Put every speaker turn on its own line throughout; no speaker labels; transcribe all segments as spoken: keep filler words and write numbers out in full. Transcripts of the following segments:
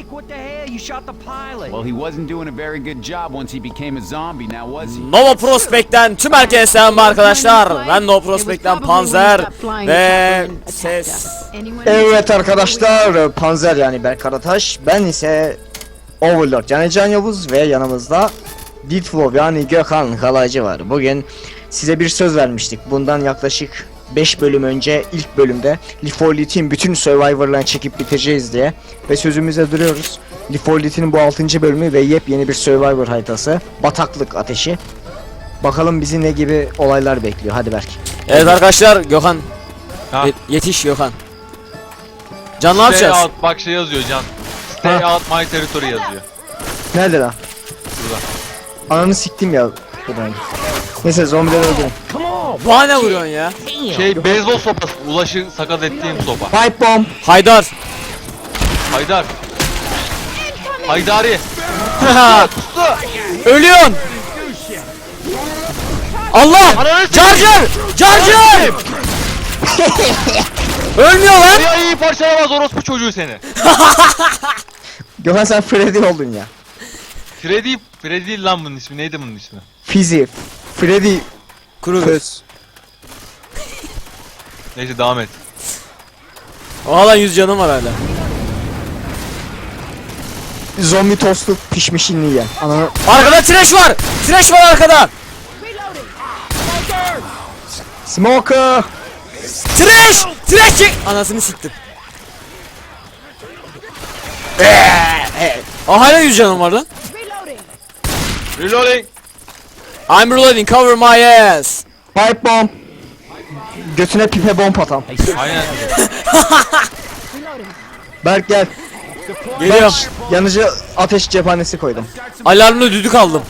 what the hell? You shot the pilot.
Well, he wasn't doing a very good job once he became a zombie, now was he?
Nova Prospect'ten tüm herkese selam arkadaşlar. Ben Nova Prospect'ten Panzer ve ses.
Evet arkadaşlar, Panzer yani Berk Karataş, ben ise Overlord yani Can Yavuz ve yanımızda Ditflow yani Gökhan Kalaycı var. Bugün size bir söz vermiştik. Bundan yaklaşık beş bölüm önce ilk bölümde Lifolit'in bütün Survivor'larını çekip bitireceğiz diye ve sözümüze duruyoruz. Lifolit'in bu altıncı bölümü ve yepyeni bir Survivor haritası Bataklık Ateşi. Bakalım bizi ne gibi olaylar bekliyor. Hadi Berk.
Evet arkadaşlar, Gökhan
Ha.
Ye- yetiş Gökhan. Can ne yapacağız?
Stay out, bak şey yazıyor Can. Stay out my territory yazıyor.
Nerede lan?
Burada.
Ananı siktim ya. Buradan. Neyse zombileri öldürün.
Bana ne vuruyorsun ya?
Şey beyzbol sopası, Ulaş'ı sakat ettiğim sopa.
Pipe bomb.
Haydar.
Haydar. Haydari.
Ölüyorsun. Allah! Charger! Charger! Ölmüyor lan!
Ya iyi parçalamaz orospu çocuğu seni.
Gökhan sen Freddy oldun ya.
Freddy, Freddy değil lan bunun ismi, neydi bunun ismi?
Fizi. Freddy.
Kuru.
Köz.
Neyse devam et.
Hala yüz canım var hala.
Zombi tostu pişmişini yiyen. Ananı.
Arkada trash var! Trash var arkada!
Smoker.
Trash! Trash çek! Anasını siktim. Aa, hala yüz canım var lan.
Reloading.
I'm reloading, cover my ass.
Pipe bomb. Götüne pipe bomb atam.
Aynen.
Berk gel.
Geliyorum.
Yanıcı ateş cephanesi koydum.
Alarmlı düdük aldım.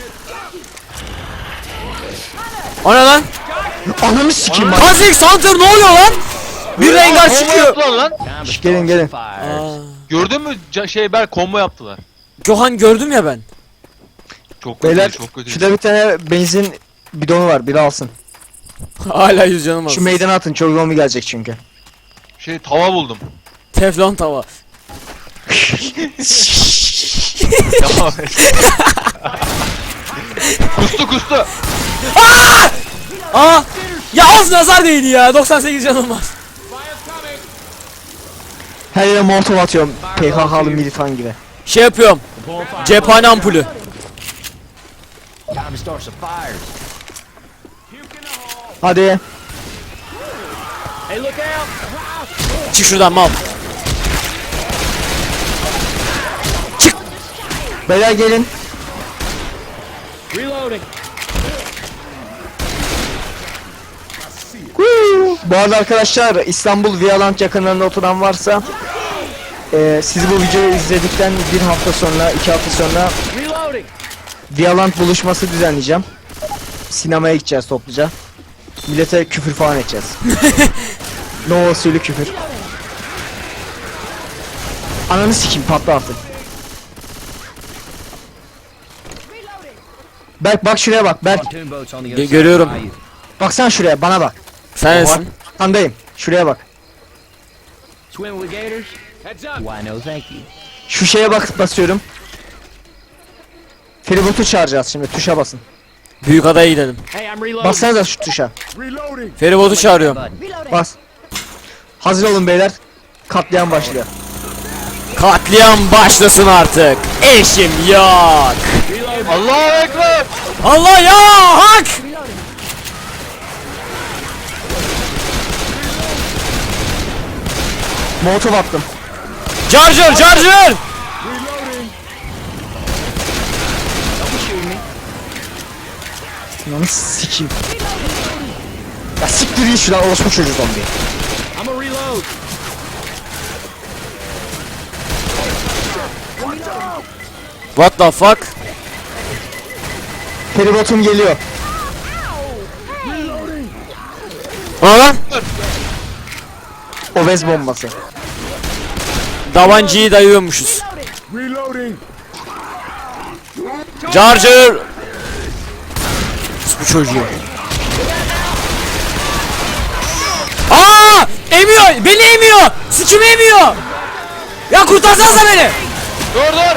O ne lan?
Ananı sikeyim bak.
Kha'Zix Hunter ne oluyor lan? Bir rengar
Combo
çıkıyor.
yaptılar lan.
Şş, gelin gelin.
Aa,
Gördün mü Ca- şey Berk combo yaptılar.
Gökhan gördüm ya ben.
Çok kötü,
Beyler
çok kötü.
şurada bir tane benzin bidonu var, biri alsın.
Hala yüz canım var.
Şu meydana atın, çok zombi gelecek çünkü.
Şey tava buldum.
Teflon tava.
Devam et. Kustu kustu.
Aa! Ya az nazar değdi ya. doksan sekiz canım var.
Her yere molotov atıyorum, P K K'lı militan gibi.
Şey yapıyorum. Cephane ampulü.
Time to start some fires.
Hadi.
Hey, look out!
Çık şuradan mal.
Beyler gelin.
Reloading.
Huu. Bu arada arkadaşlar, İstanbul Vialand yakınlarında oturan varsa e, siz bu videoyu izledikten bir hafta sonra, iki hafta sonra
Reloading.
Vialand buluşması düzenleyeceğim. Sinemaya gideceğiz topluca. Millete küfür falan edeceğiz. No usulü küfür. Ananı sikeyim, patla artık. Berk bak şuraya bak Berk.
Pontoon boats on the
Ge-
other side
görüyorum.
of the bayou.
Baksana şuraya, bana bak.
Sen nesin?
Andayım. Şuraya bak.
Swim with gators? Heads up. Why no thank you.
Şu şeye bak, basıyorum. Feribotu çağıracağız şimdi, tuşa basın.
Büyük adaya gidelim.
Hey, I'm reloading.
Bassanıza şu tuşa.
Feribotu çağırıyorum.
Bas. Hazır olun beyler. Katliam başlıyor.
Katliam başlasın artık. Eşim yok.
Allahu ekber.
Allah ya hak.
Molotov attım.
Charger charger.
Lan sikeyim. Ya siktir iyi şuradan, orospu çocuğu zombi.
I'm a reload.
What the fuck?
Feribotum geliyor.
O lan?
Obez bombası.
Davancıyı dayıyormuşuz. Charger. Bu çocuğu. Aa! Emiyor! Beni emiyor! Sikimi emiyor! Ya kurtarsanıza beni!
Dur dur.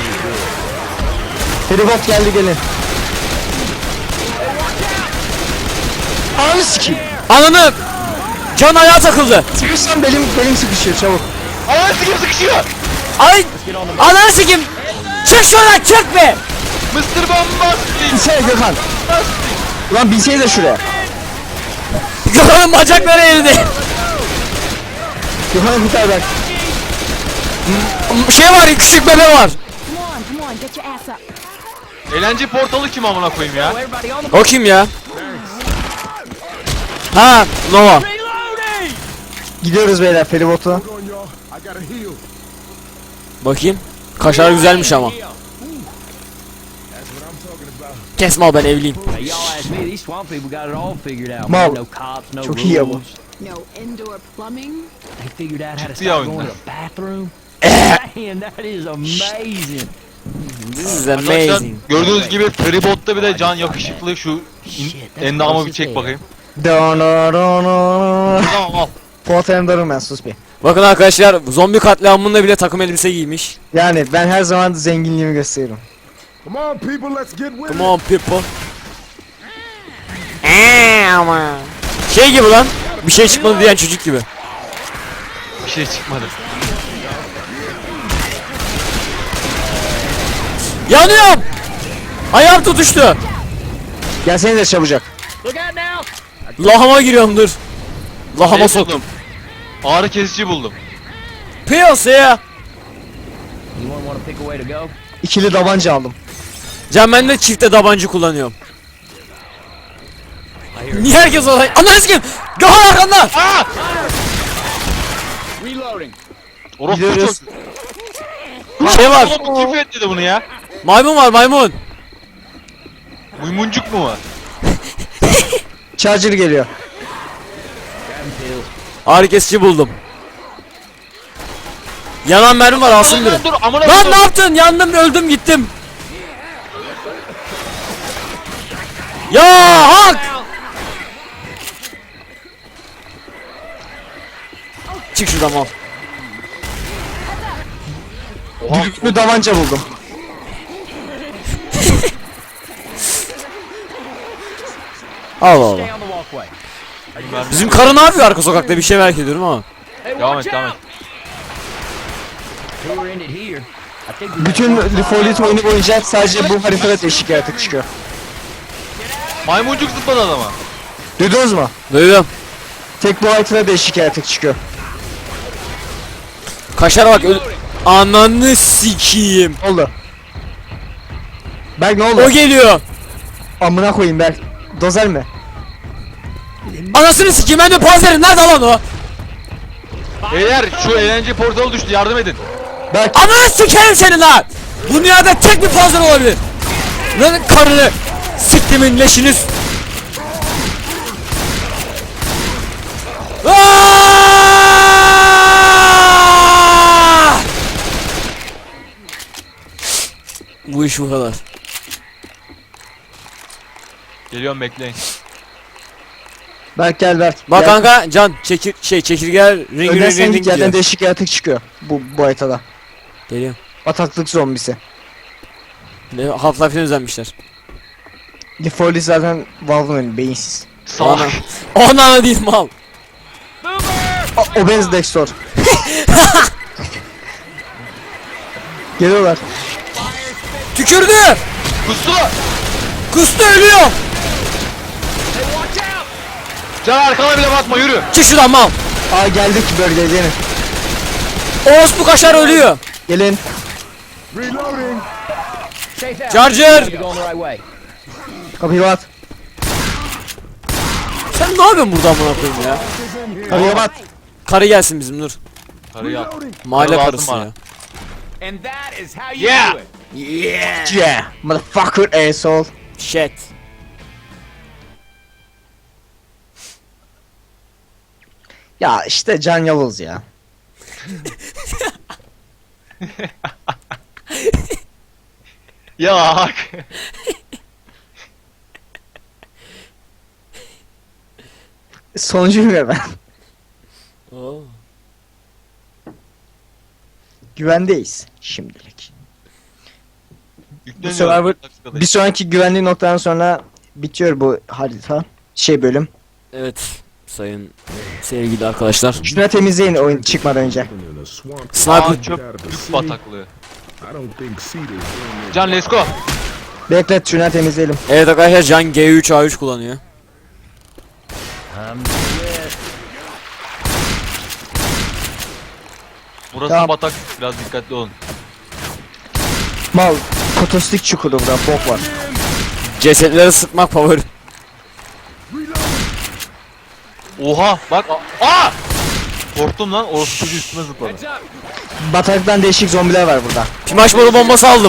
Feribot geldi gelin. Ananı sikeyim.
Ananı! Can ayağa takıldı.
Sıkışsam belim belim sıkışıyor çabuk.
Ananı sikim sıkışıyor.
Ay! Ananı sikim! Çık şuradan çık be!
Mısır bombastik.
Binsene Gökhan. Ulan binsene de şuraya.
Gökhan'ın bacakları eridi.
Gökhan'ı kurtar bak.
Şey var, küçük bebe var.
Come on, come on, get your ass up.
Eğlence portalı kim amına koyayım ya?
Everybody on the
O kim ya? Ha, Nova.
reloading!
Gidiyoruz beyler feribotla.
Bakayım. Kaşar güzelmiş ama. Kes mal, ben evliyim.
Now y'all ask me, these swamp people got it all figured out.
Mal.
Man, no cops, no
Çok iyi ya bu.
rules.
No indoor plumbing.
They figured out how to
Ciddi ya
stop going
oyunlar.
to the bathroom. Man, that is amazing.
This is
Arkadaşlar
amazing.
gördüğünüz gibi Feribot'ta bir de can yakışıklı şu in-
Shit, that's
endamı
close
bir
as
çek
hell.
bakayım.
Tamam
Tamam al.
Fuat Ender'ım ben sus bir.
Bakın arkadaşlar, zombi katliamında bile takım elbise giymiş.
Yani ben her zaman zenginliğimi gösteririm.
Come on, people, let's get with
Come
it.
on people. Eee ama. Şey gibi lan. Bir şey çıkmadı diyen çocuk gibi.
Bir şey çıkmadı.
Yanıyorum. Ayağım tutuştu.
Gelsene de çabucak.
Look out now!
Lahama giriyorum, dur. Lahama
Şey
soktum.
buldum. Ağrı kesici buldum.
Piyasaya.
You wanna wanna pick a way to go?
İkili tabanca aldım.
Can, ben de çifte tabanca kullanıyorum. Niye herkes olay? Ananı sikeyim. Gökhan arkanda.
Aa!
Reloading.
Orospu
Gidiyoruz.
çok.
Şey var.
Oğlum kim etti bunu ya?
Maymun var, maymun.
Maymuncuk mu var?
Charger geliyor.
Ağrı kesici buldum. Yanan mermi var, alsın biri.
Dur dur amına
Lan ne
koyayım.
yaptın? Yandım, öldüm, gittim. Ya hak! Çık şuradan mal.
Düdüklü tabanca buldum.
Allah Allah.
Stay on the walkway.
Bizim karı ne yapıyor arka sokakta, bir şey merak ediyorum ama.
Hey,
Devam
watch
et devam et.
out! Tour ended here. I think we
Bütün Lifolit oyunu boyunca sadece bu haritada değişik yaratık çıkıyor.
Maymuncuk zıpladı adama.
Duydunuz mu?
Duydum.
Tek bu haritada değişik yaratık çıkıyor.
Kaşar bak, öl... Ananı sikiyim.
Ne oldu? Berk ne
O
oldu?
geliyor.
Amına koyayım Berk. Dozer mi?
Anasını sikiyim, ben de panzerim, nerede lan o?
Beyler şu eğlence portalı düştü yardım edin.
Berk
Ananı sikerim seni lan. Bu dünyada tek bir panzer olabilir. Lan karını siktimin leşiniz. Aaaaaaah! Bu iş bu kadar.
Geliyorum bekleyin.
Berk gel Berk.
Bak
Gel.
kanka, Can çekir şey çekirgeler ring ring
Ödersen
ring
git
ring
yerden
diyor.
değişik yaratık çıkıyor. Bu, bu haritada.
Geliyorum.
Bataklık zombisi.
Ne, Half-Life'den özenmişler.
Lifolit zaten Valve'ın oyunu beyinsiz.
Salak.
Ona değil mal.
O, Obez Dextor. Geliyorlar.
Tükürdü.
Kustu.
Kustu, ölüyor.
Can arkana bile bakma yürü.
Çık şuradan mal.
Aa geldik bölgeye gelin.
Orospu kaşar ölüyor.
Gelin.
Reloading.
safe out.
Charger.
We're going the right way.
Kapıyı bat.
Sen ne yapıyorsun burada amına koyayım ya?
Kapıyı bat.
Karı gelsin bizim, dur.
Karıyı al.
Mahalle
Karı lazım
karısı
bana.
ya.
And that is how you
Yeah.
do it.
Yeah.
Yeah. Motherfucker asshole.
Shit.
Ya işte Can Yavuz ya.
Ya hak.
Sonuncuyum ya ben.
Oo.
Güvendeyiz şimdilik.
Yükleniyor.
Survivor-
Dakikadayız.
Bir sonraki güvenli noktadan sonra bitiyor bu harita. Şey bölüm.
Evet sayın sevgili arkadaşlar.
Şuna temizleyin oyun çıkmadan önce.
In a swamp.
Sniper
Aa çöp yük bataklığı.
I don't think Cedar's doing it.
Can let's go.
Beklet şuna temizleyelim.
Evet arkadaşlar Can G üç A üç kullanıyor.
Burası
Tamam.
batak. Biraz dikkatli olun.
Mal kotostik çukuru burada bok var.
Cesetleri sıkmak favori.
Oha bak. a- Aa! Korktum lan. Orası çocuğu üstüme zıpladı.
Heads up.
Bataktan değişik zombiler var burada.
Pimaş boru bombası aldım.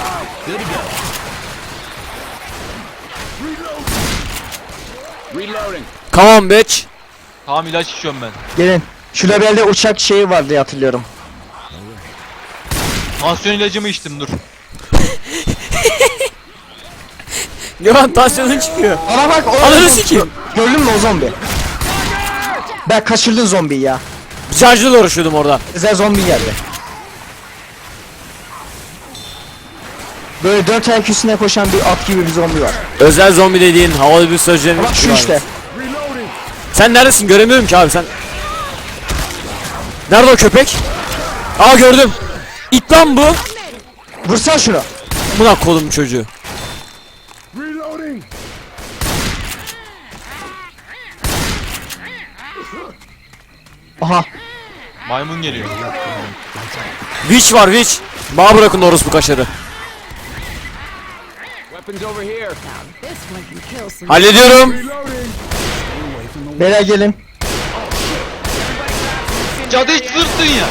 Reloading.
Come on bitch.
Tamam ilaç içiyorum ben.
Gelin. Şu labelde uçak şeyi var diye hatırlıyorum.
Tansiyon ilacımı içtim dur.
Gökhan tansiyonun çıkıyor.
Ana bak o
Ananı sikeyim.
Gördün mü o zombi? Ben kaçırdım zombiyi ya.
Charge'la uğraşıyordum orada.
Özel zombi geldi. Böyle dört ayak üstüne koşan bir at gibi bir zombi var.
Özel zombi dediğin havalı bir sözcüğün.
Bak şu işte.
Sen neredesin göremiyorum ki abi sen. Nerede o köpek? Aa gördüm. İt lan bu.
Vursan şunu.
Buna kolum çocuğu.
Reloading.
Aha.
Maymun geliyor.
Witch var witch. Bana bırakın orospu kaşarı.
Weapons over here.
This one can kill some.
Hallediyorum.
Beyler gelin.
Cadı hiç sırttın ya.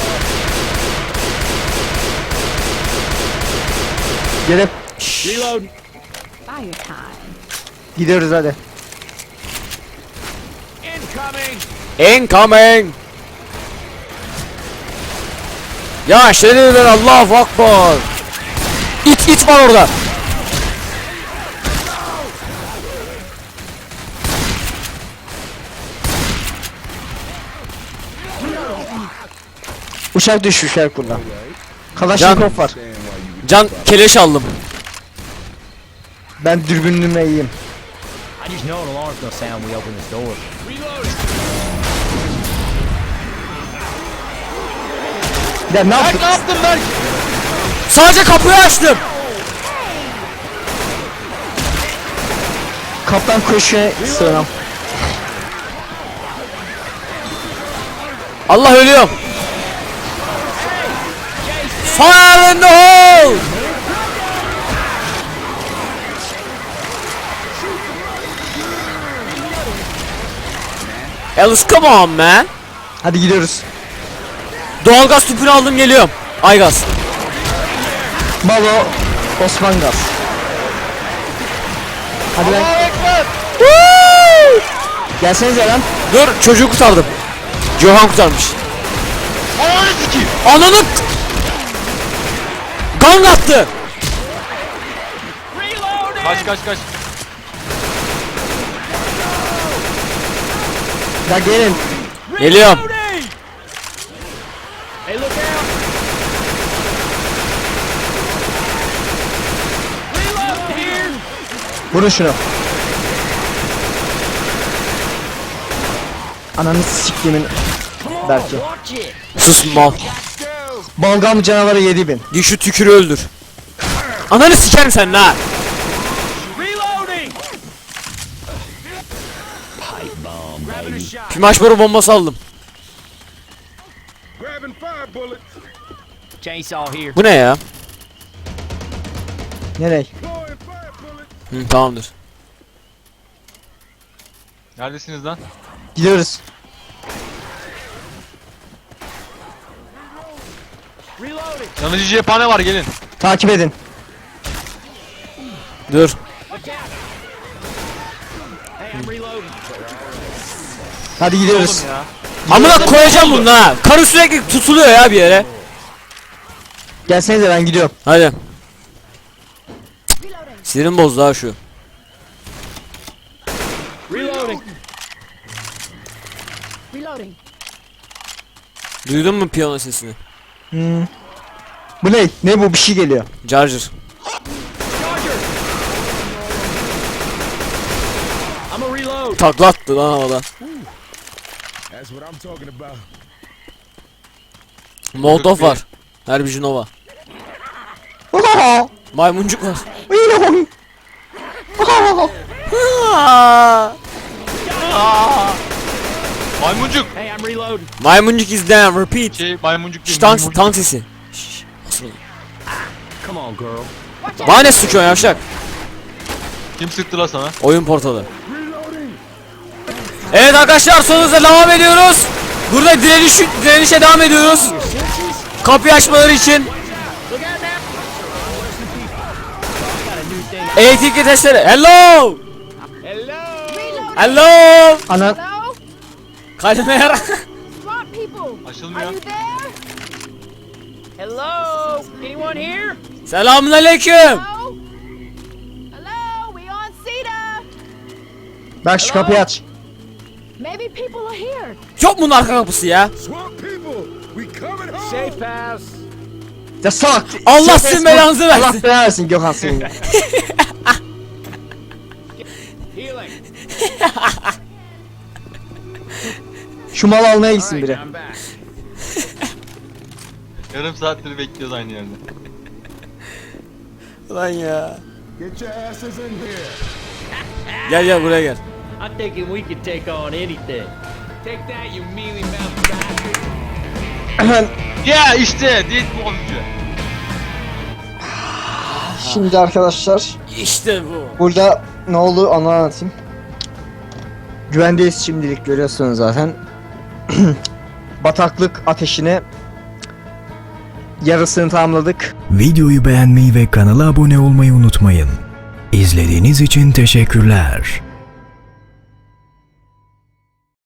Gelin.
Reload.
Fire time.
Gidiyoruz hadi.
Incoming.
Incoming. Ya şerefler Allahu Akbar. İt it var orada.
Uçak düşmüş Erkun'dan. Kalaşnikov var.
Can keleş aldım.
Ben dürbünlüğüme iyiyim.
I just know an alarm's gonna sound when we open this door. Reloading.
Ya ne
Berk
yaptık?
ne yaptın Berk?
Sadece kapıyı açtım.
Kaptan koşuya sığınam.
Allah ölüyorum. Fire in the hole. Alice come on man.
Hadi gidiyoruz.
Doğalgaz tüpünü aldım geliyorum. Aygaz.
Malo Osman Gaz. Hadi ben. Gelsenize lan.
Dur çocuğu kurtardım. Johan kurtarmış.
Ananı sikeyim.
Ananı gang attı.
Kaç kaç kaç.
Ya gelin.
Geliyorum.
Hey, look out. Reload here.
Vurun şunu. Ananı siktimin. Belki.
Watch it.
Sus mal.
Balgam canavarı yedi bin.
Git şu tükürü öldür. Ananı sikerim sen la.
Reloading. Grabbing a shot.
Pimaş boru bombası aldım.
Grabbing fire bullets.
Chainsaw here.
Bu ne ya?
Nereye?
Deploying fire bullets.
Hı, tamamdır.
Neredesiniz lan?
Gidiyoruz.
Reloading.
Yanıcı cephane var gelin.
Takip edin.
Dur.
Hey, I'm reloading.
Hadi gidiyoruz.
Oğlum ya.
Amına koyacağım bunu ha. Karı sürekli tutuluyor ya bir yere.
Gelsenize ben gidiyorum.
Hadi. Sinirim bozdu ha şu.
Reloading.
Reloading.
Duydun mu piyano sesini?
Hmm. Bu ne? Ne bu? Bir şey geliyor.
Charger.
I'm a reload.
Taklattı lan havada.
That's what I'm talking about.
Molotov var. Herbij Nova. Maymuncuk var.
Maymuncuk.
Hey, I'm reloading.
Maymuncuk is down. Repeat.
Şey maymuncuk değil.
Şş, tank,
maymuncuk.
tank sesi. Şşş, nasıl oldu?
Come on, girl.
Bana ne sıkıyorsun yavşak?
Kim sıktı la sana?
Oyun portalı.
Reloading.
Evet arkadaşlar son hızla devam ediyoruz. Burada direniş, direnişe devam ediyoruz. Kapıyı açmaları için. Elektrikli testere. Hello.
Hello.
Hello.
Ana
Hello?
Kalmer.
Swamp people! Are
Açılmıyor.
you there?
Hello. Anyone here?
Selamun aleyküm.
Hello? Hello? We on Cedar?
bak şu kapıyı aç.
Maybe people are here.
Yok bunun arka kapısı ya.
Swamp people, we coming home.
Safe house.
Ya salak.
Allah
Sen-
sizin belanızı versin.
Allah belanı versin Gökhan senin.
Healing.
Şu malı almaya gitsin
Alright,
biri.
I'm back.
Yarım saattir bekliyoruz aynı yerde.
Lan ya.
Get your asses in here.
Gel gel buraya gel.
I'm thinking we could take on anything. Take that, you mealy mouthed bastard.
Hemen
Ya işte değil bu oyuncu.
şimdi arkadaşlar
İşte bu.
burada ne oldu onu anlatayım. Güvendeyiz şimdilik, görüyorsunuz zaten. Bataklık ateşine yarısını tamamladık.
Videoyu beğenmeyi ve kanala abone olmayı unutmayın. İzlediğiniz için teşekkürler.